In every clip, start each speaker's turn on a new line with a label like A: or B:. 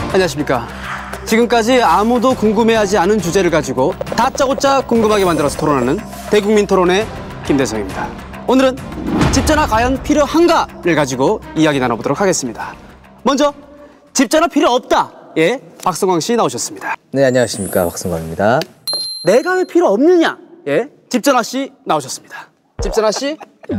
A: 안녕하십니까. 지금까지 아무도 궁금해하지 않은 주제를 가지고 다짜고짜 궁금하게 만들어서 토론하는 대국민 토론의 김대성입니다. 오늘은 집전화 과연 필요한가를 가지고 이야기 나눠보도록 하겠습니다. 먼저 집전화 필요 없다. 예, 박성광 씨 나오셨습니다.
B: 네, 안녕하십니까. 박성광입니다.
A: 내가 왜 필요 없느냐? 예, 집전화 씨 나오셨습니다. 집전화 씨,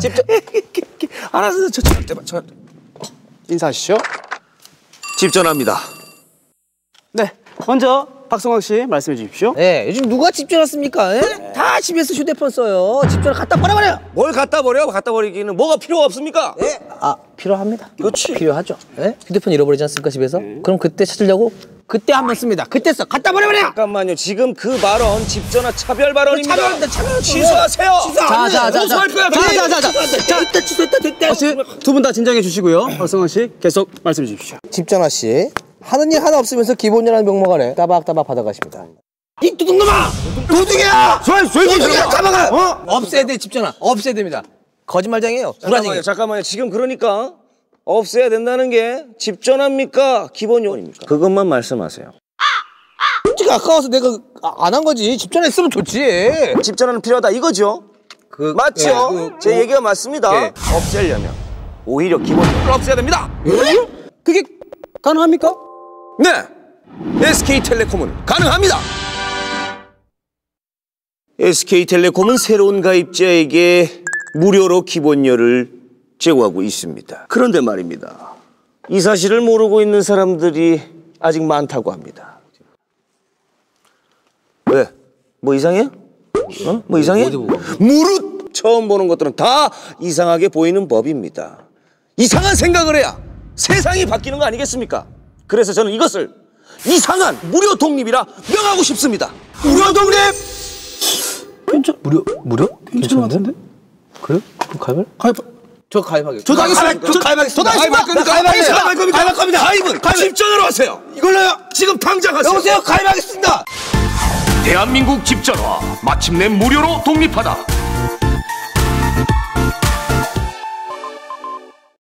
C: 알았어, 저
A: 인사하시죠.
C: 집전화입니다.
A: 네, 먼저 박성광 씨 말씀해 주십시오.
B: 네, 요즘 누가 집전화 씁니까? 예? 다 집에서 휴대폰 써요. 집전화 갖다 버려버려.
C: 뭘 갖다 버려? 갖다 버리기는 뭐가 필요가 없습니까?
B: 예? 아, 필요합니다.
C: 그렇지.
B: 필요하죠. 예? 휴대폰 잃어버리지 않습니까, 집에서? 그럼 그때 찾으려고 그때 한번 씁니다. 그때 써. 갖다 버려버려.
C: 잠깐만요. 지금 그 발언 집전화 차별 발언입니다.
B: 차별.
C: 취소하세요.
A: 됐다, 취소했다, 됐다. 두 분 다 진정해 주시고요. 박성광 씨 계속 말씀해 주십시오.
B: 집전화 씨, 하는 일 하나 없으면서 기본료라는 명목 안에 따박따박 받아가십니다.
C: 이 도둑놈아! 도둑이야! 도둑이야! 잡아가!
B: 없애야 돼, 집전화. 없애야 됩니다. 거짓말쟁이에요.
C: 잠깐만요. 지금 그러니까 없애야 된다는 게 집전화입니까? 기본 요원입니까? 그것만 말씀하세요.
B: 솔직히 아까워서 내가 안 한 거지. 집전화 있으면 좋지.
C: 집전화는 필요하다 이거죠? 맞죠? 제 얘기가 맞습니다. 없애려면 오히려 기본 요원을 없애야 됩니다.
A: 그게 가능합니까?
C: 네! SK텔레콤은 가능합니다! SK텔레콤은 새로운 가입자에게 무료로 기본료를 제공하고 있습니다. 그런데 말입니다. 이 사실을 모르고 있는 사람들이 아직 많다고 합니다. 왜? 뭐 이상해? 뭐 이상해? 무릇 처음 보는 것들은 다 이상하게 보이는 법입니다. 이상한 생각을 해야 세상이 바뀌는 거 아니겠습니까? 그래서 저는 이것을 이상한 무료 독립이라 명하고 싶습니다. 무료 독립!
B: 무료?
A: 괜찮은 것 같은데?
B: 그래? 그럼 저 가입하겠습니다.
C: 저도 가입하겠습니다. 가입할 겁니다. 가입은 집전화로 하세요. 이걸로요. 지금 당장 하세요.
B: 여보세요, 가입하겠습니다.
D: 대한민국 집전화 마침내 무료로 독립하다.